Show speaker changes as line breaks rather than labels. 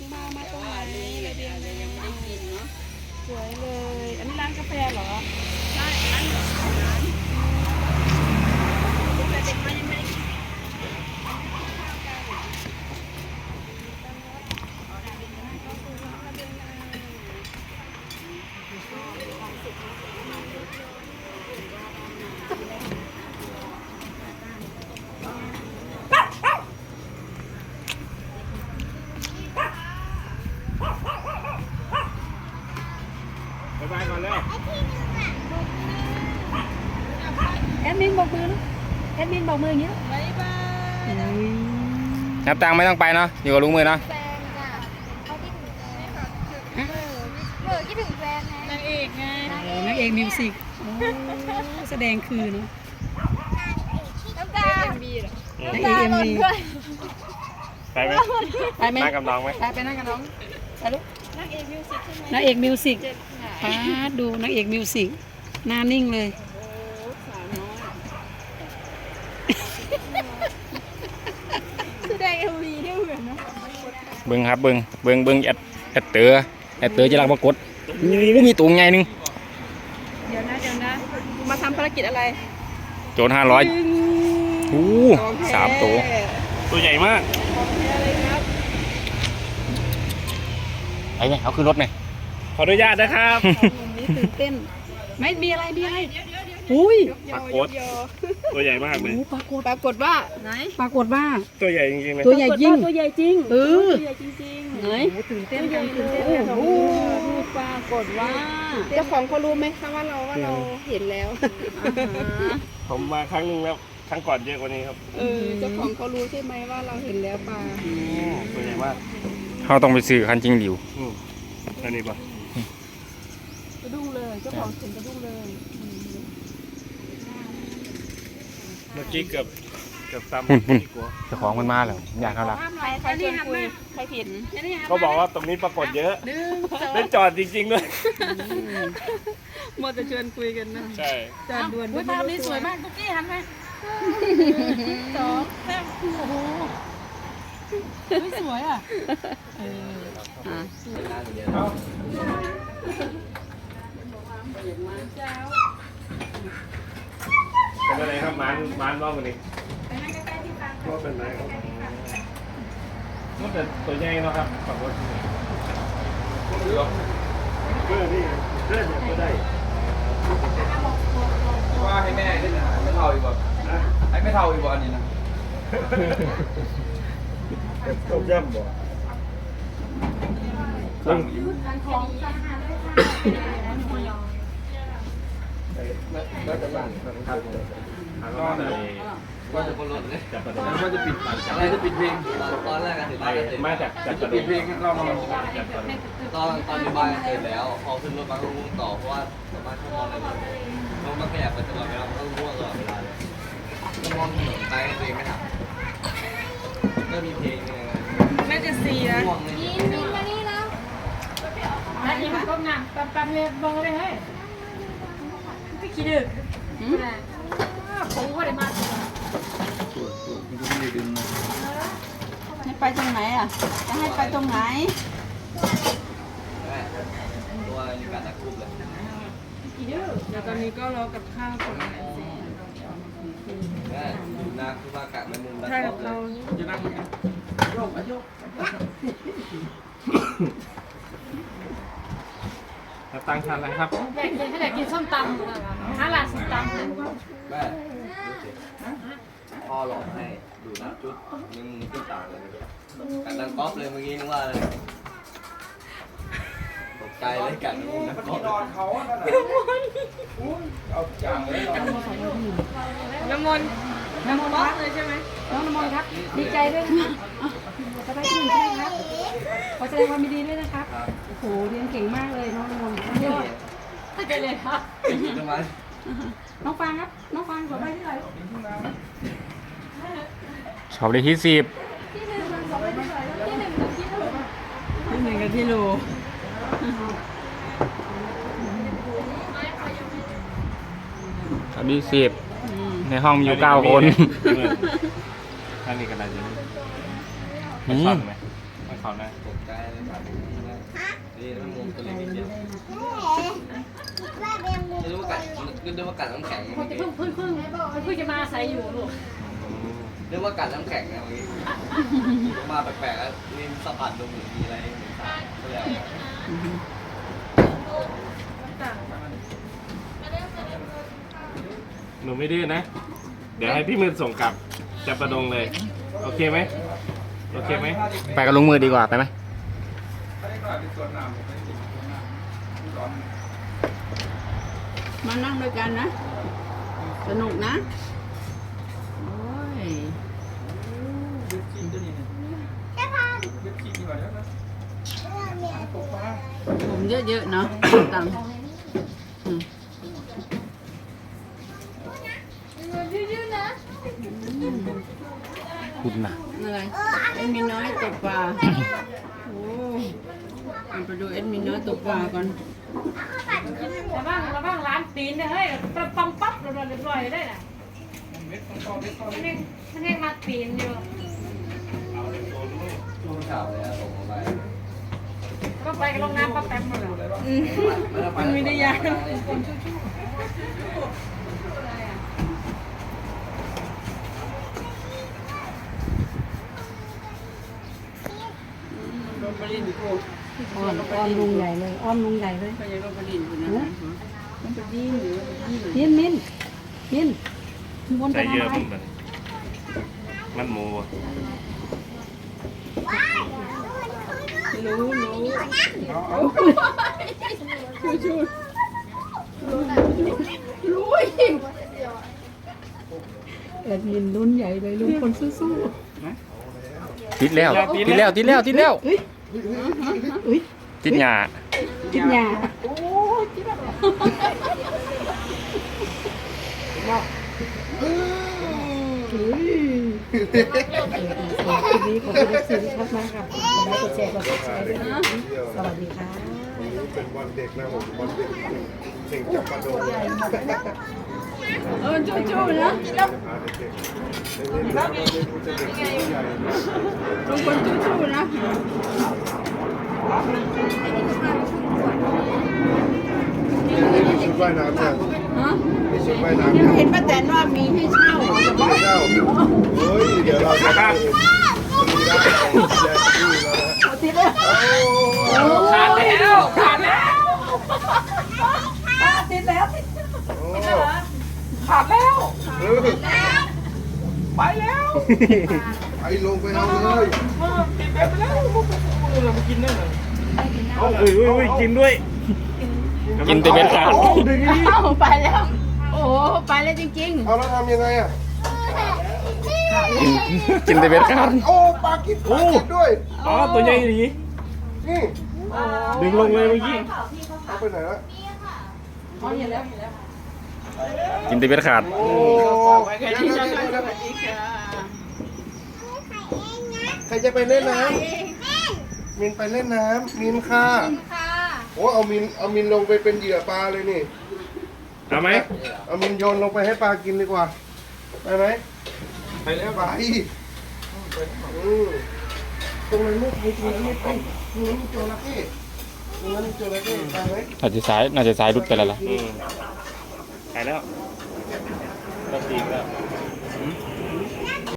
มาตรงไหนระเบียงยังไม่ได้กินเนาะสวยเลยอันนี้ร้านกาแฟเหรอใช่ร้านแต่เด็กมันยังไม่ได้กิน
บายก่อนเร็ว
แอดมินบอกมือนะแอดมินบอกมืออย่างนี้บายบาย
นับตังค์ไม่ต้องไปเนาะอยู่กับลุงมือเนาะ
แฟนจ้ะเขาคิดถึงแฟนคิดถึงแฟนไง
นางเอกไงนางเอกมิวสิกแสดงคือเนาะ
น้ำตา
นางเอกเอ็มวี
ไปไหม
ไปไหม
นั่งกับน้องไหม
ไปนั่งกับน้องไปลูกนางเอกมิวสิกใช่ไหมนางเอกมิวสิกป้าดูนางเอกมิวสิกหน้านิ่งเลยแสดงเอ็มวีได้เหมือนเนาะ
เบิ้งครับเบิ้งแอดเตอร์จะรักปรากฏมีตัวไงนึง
เดี๋ยวนะมาทำภารกิจอะไร
โจร5003 ตัว
ตัวใหญ่มาก
ของแท้เลยครับ
ไอ้เนี่ยเอาขึ้นรถหน่อย
ขออนุญาตนะครับ
วันนี้ตื่นเต้นไม่มีอะไรอุ้ย
ปรากฏตัวใหญ่มากเลย
ปรากฏว่าไหนปรากฏว่า
ตัวใหญ่จริงๆเลย
ตัวใหญ่จริงตัวใหญ่จริงตัวใหญ่จริงไหนตื่นเต้นกันโอ้โหปรากฏว่าเจ้าของเขารู้ไหมคะว่าเราเห็นแล้ว
ผมมาครั้งนึงแล้วครั้งก่อนเยอะกว่านี้ครับ
เจ้าของเขารู้ใช่ไหมว่าเราเห็นแล้วปลา
ตัวใหญ่มาก
เขาต้องไปซื้อคันจริงดิว
อันนี้ปะ
กระดุ้งเลยเจ้าของเห็นกระดุ้งเลย
เมื่อกี้เกือบซ้ำ
หุ่น
กลัว
เจ้าของมันมาแล้วอยากเขารัก
ใครชวนคุยใครผิด
เขาบอกว่าตรงนี้ปรากฏเยอะได้จอดจริงๆด้วย
มัวแต่ชวนคุยกันนะ
ใช่
จานด่วนภาพนี้สวยมากตุ๊กกี้หันไหมสองแซ่บโอ้โหสวยอ่ะ
เป็นอะไรครับมันรอบวันนี้ก็เป็นไรครับก็แต่ตัวใหญ่เนาะครับฝั่งรถเพื่อนี่เพื่อนก็ได้
ว่าให้แม่ได้นะไม่เท่าอีกบ่ให้ไม่เท่าอีกบ่อันนี้นะ
ต้มยำบ่สั่งอยู่แล้วจะบ้านครับก็เลย
ว่าจะคนรถเลย
จับประเด็น
ว่าจะปิดอะไรจะปิดเพลงตอนแรกกันถึงบ้านก็เสร็จ
มาจากจับป
จะ
ระเด็
ปิ
น
ดเพลงเรามา
จับประเด็น
ตอนอยู่บ้านเสร็จแล้วพอขึ้นรถมาก็ง่วงต่อเพราะว่าสามารถชั่วโมงอะไรมันมันขยับไปตลอดเวลามันก็ง่วงตลอดเวลาเลยก็มองถนนไปตัวเองไม่ทำก็มีเพลงเนี่ย
น่าจะซีนะ
ง่วงเลย
นี่มานี่แล้ว
แล้วยังก็งานปั๊มเลยบองเลยเฮ้ยไม่คิดดึกผมก็ได้มาให้ไปตรงไหนอ่ะจะให้ไปตรงไหน
ตัวในการตะคุบเลย
เดี๋ยวตอนนี้ก็รอกับข้าวก่อน
แม่ดูนาคือว่ากะมันมุม
ใช่กับเรา
จะนั่งโยกโยก
ตั้งทันแล้วครับ
แบ่งให้แต่กินส้มตำหาหลานส้มตำ
แม่พ่อหลอกให้ดูนะจุดมึงขึ้นต่างเลยกันดังก๊อฟเลยเมื่อกี้นึกว่าอะไรตกใจเลยกันนะก๊อฟ
น้ำมนต์รักเลยใช่ไหมน้องน้ำมนต์ครับดีใจด้วยนะครับสบายดีใช่ไหมครับขอแสดงความยินดีด้วยนะครับโอ้โหเรียนเก่งมากเลยน้องน้ำมนต์ยอดตั้งใจเลยครับ
ทำไม
น้องฟางครับน้องฟางสอบได้ที่ไหน
ชอบได้ที่10
ที่หนึ่งกับที่โล
ชอบที่10ในห้องมีอยู่9 คน
ท่านนี้กันอะไรอยู่
นี่
ซ่อนไหมเขานะ
ตกใจเลยครับนี่มันมุมตัวเล็กนิดเดียวไม่รู้ว่ากัดน้ำแข็ง
คนจะเพิ่งจะมาอาศัยอยู่ลูก
เรียกว่ากัดน้ำแข็งนะเมื่อกี้มาแปลกๆแล้วนี่สัมผัสดูเหมือนมีอะไรเหมือนสารก็เลย
หนูไม่ดื้อนะ เดี๋ยวให้พี่มือส่งกลับจับประดงเลย โอเคไหมโอเคไหม
ไปกับลุงมือดีกว่าไปไหม
มานั่งด้วยกันนะ สนุกนะ โอ้ยผมเยอะๆเนาะตังค์อืม
ยืดๆนะ
คุณน่ะ
อะไรเอ็นมีน้อยตกปลาโอ้เอาไปดูเอ็นมีน้อยตกปลาก่อน
ระวังร้านตีนเนี่ยเฮ้ยปังปั๊บเรียบร้อยได้น่ะมันเองมาตีนอยู่
ช่วงเช้าเลยอะส่งมาไป
ก็ไปกับลงน้ำปั๊บแป๊บหมดเลย
มันไม่ได้ยากโรบลินโอ้
อ้อมลุงใหญ่เลยอ้อมลุงใหญ่เลย
ก็ยังโรบลินอยู่นะมันเป็นยิ่งหรือว่าเป็นยิ่ง
มินวน
ใจ
ไป
เยอะ
ทำไม
มันหมูอะ
รู้ชูรู้อีก
แอดมินรุ่นใหญ่เลยลุงคนสู้
ติดแล้วติดแล้วติดหยา
ๆกินยาคลิปนี้ขอบคุณทุกสิ่งมากๆครับกดไลค์กดแชร์ด้วยนะสวัสดีค่ะ
เป็นวันเด็กนะผมวันเด็กเด็กจับปลาโดน
ชูๆนะ
เด็กเล่นน้ำไม่รู้จะเด็กหรือใหญ่
ทุกคนชูๆนะ
มีชุดว่ายน้ำเนี่ย
ฮะ
มีชุดว่ายน้ำ
ยังเห็นป้าแตนว่ามีให้เช่า
ไม่เจ้าเฮ้ยเดี๋ยวเราจะได้ติดแล้ว
ขาดแล้วขาดแล้ว
ติดแล้ว
ขาดแล้วไปแล้วไปลงไปเอาเลย
เอาเอ้ยกินด้วย
กินแต่เบ็ดขาด
เอ้าไปแล้ว โอ้ไปแล้วจริง
เอาแล้วทำยังไงอ่ะ
กินแต่เบ็ดขาด
โอ้ปลากินด้วย
อ๋อตัวใหญ่ดี
นี่
ดึงลงเลยเมื่อกี้
เอาไปไหนละ
อ๋อเห็นแล้ว
กินแต่เบ็ดขาด
โอ้
ๆไปกันที่นั่นสวัสดีค่ะ
ใครจะไปเล่นน้ำมินไปเล่นน้ำมินค่ะ
ค่ะ
โอ้เอามินลงไปเป็นเหยื่อปลาเลยนี่
เอาไหม
เอามินโยนลงไปให้ปลากินดีกว่าไปไหมไปแล้วไปตรงนั้นไม่ไปตรงนั้นไม่ไปตรงนั้นมีจระเข้ตรงนั้นมีจระเข้ไปไหม
น่าจะสายรุดไปแล้วล่ะ
ไปแล้วก็ตีแล้ว